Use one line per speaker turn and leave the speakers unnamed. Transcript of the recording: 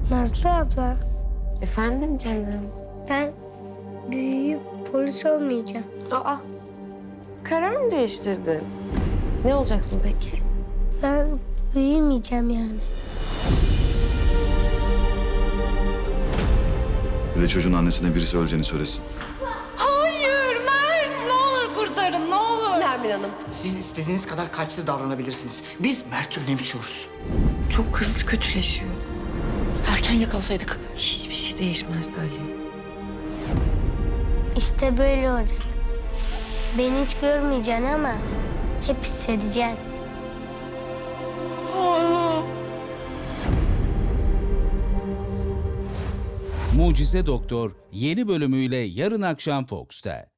Nazlı abla,
Efendim canım?
ben büyüyüp polis olmayacağım.
Aa, karar mı değiştirdin? Ne olacaksın peki?
Ben büyümeyeceğim yani.
Bir de çocuğun annesine birisi öleceğini söylesin.
Hayır Mert, ne olur kurtarın, ne olur.
Nermin Hanım,
Siz istediğiniz kadar kalpsiz davranabilirsiniz. Biz Mert'i önemsiyoruz.
çok hızlı kötüleşiyor.
Erken yakalasaydık.
Hiçbir şey değişmez Ali.
İşte böyle olacak. Beni hiç görmeyeceksin ama hep hissedeceksin.
Mucize Doktor yeni bölümüyle yarın akşam Fox'ta.